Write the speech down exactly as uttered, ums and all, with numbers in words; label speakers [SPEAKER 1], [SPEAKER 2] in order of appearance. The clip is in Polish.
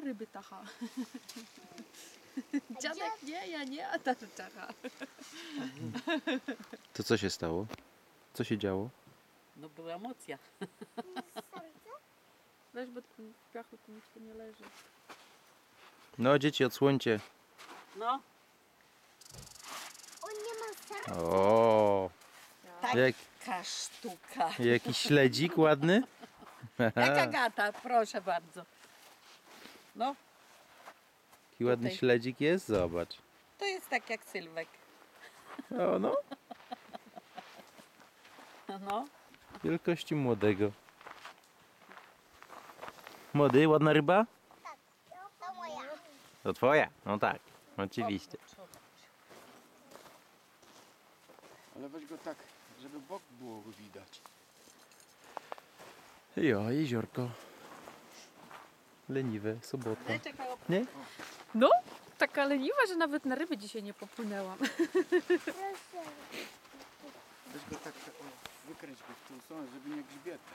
[SPEAKER 1] ryby tacha. Dziadek nie, ja nie, a tata tacha.
[SPEAKER 2] To co się stało? Co się działo?
[SPEAKER 3] No była emocja.
[SPEAKER 1] Weź, bo w piachu tu nic tu nie leży.
[SPEAKER 2] No dzieci, odsłońcie.
[SPEAKER 3] No,
[SPEAKER 4] On nie ma serca.
[SPEAKER 2] O, jak,
[SPEAKER 3] taka sztuka.
[SPEAKER 2] jakiś śledzik ładny.
[SPEAKER 3] Jak Agata, proszę bardzo. No,
[SPEAKER 2] Jaki ładny
[SPEAKER 3] Tutaj.
[SPEAKER 2] śledzik jest, zobacz.
[SPEAKER 3] to jest tak jak Sylwek.
[SPEAKER 2] O no,
[SPEAKER 3] No,
[SPEAKER 2] wielkości młodego. Młody, ładna ryba?
[SPEAKER 4] To moja.
[SPEAKER 2] To twoja? No tak, oczywiście.
[SPEAKER 5] Ale weź go tak, żeby bok było widać.
[SPEAKER 2] Jo, jeziorko. Leniwe, sobota.
[SPEAKER 3] Daj, czekaj, op-
[SPEAKER 2] Nie?
[SPEAKER 1] No, taka leniwa, że nawet na ryby dzisiaj nie popłynęłam.
[SPEAKER 4] Proszę.
[SPEAKER 5] Weź go tak, tak o, wykręć go w tą stronę, żeby nie grzbiet.